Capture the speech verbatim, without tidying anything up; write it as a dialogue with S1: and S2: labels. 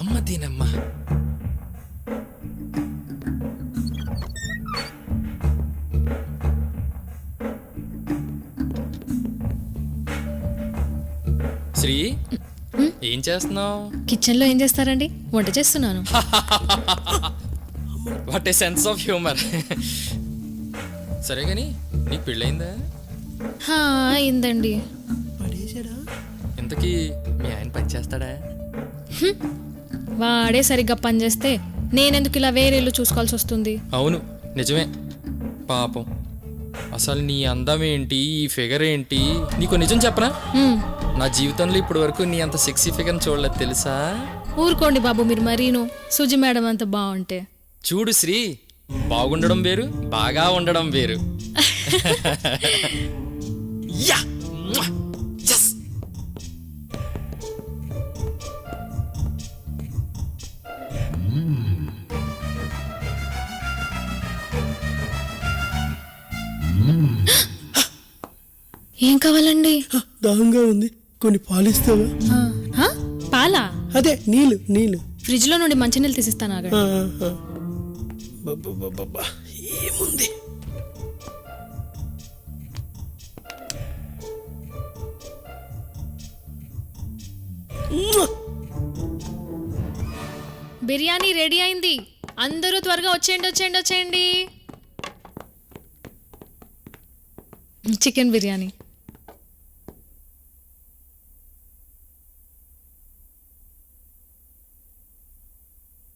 S1: అమ్మ దీనమ్మా. శ్రీ, ఏం చేస్తున్నావు?
S2: కిచెన్ లో ఏం చేస్తారండి? వంట చేస్తున్నాను.
S1: What a sense of humour. సరే గాని నీకు పెళ్ళయిందా?
S2: హా, అయిందండి.
S1: ఇంతకీ మీ ఆయన పని చేస్తాడా?
S2: వాడే సరిగ్గా పని చేస్తే నేనెందుకు ఇలా వేరే ఇల్లు చూసుకోవాల్సి వస్తుంది?
S1: అవును, నిజమే. పాపం. అసలు నీ అందం ఏంటి, ఈ ఫిగర్ ఏంటి? నీకు నిజం చెప్పనా?
S2: హ్మ్,
S1: నా జీవితంలో ఇప్పటి వరకు నీ అంత సెక్సీ ఫిగర్ చూడలేదు తెలుసా?
S2: ఊరుకోండి బాబు, మీరు మరీను. సుజి మేడం అంత బాగుంటే.
S1: చూడు శ్రీ, బాగుండడం వేరు, బాగా ఉండడం వేరు. యా! Yes!
S2: ఏం కావాలండి?
S3: దాహంగా ఉంది, కొన్ని పాలిస్తావా?
S2: ఆ, హా? పాలా?
S3: అదే నీళ్ళు నీళ్ళు.
S2: ఫ్రిడ్జ్ లో నుండి మంచినీళ్ళు తీసిస్తాను, ఆగండి.
S3: ఆ, ఆ. బబ్బబ్బబ్బబ్బా, ఏముంది?
S2: బిర్యానీ రెడీ అయింది, అందరూ త్వరగా వచ్చేయండి వచ్చేయండి వచ్చేయండి. చికెన్ బిర్యానీ.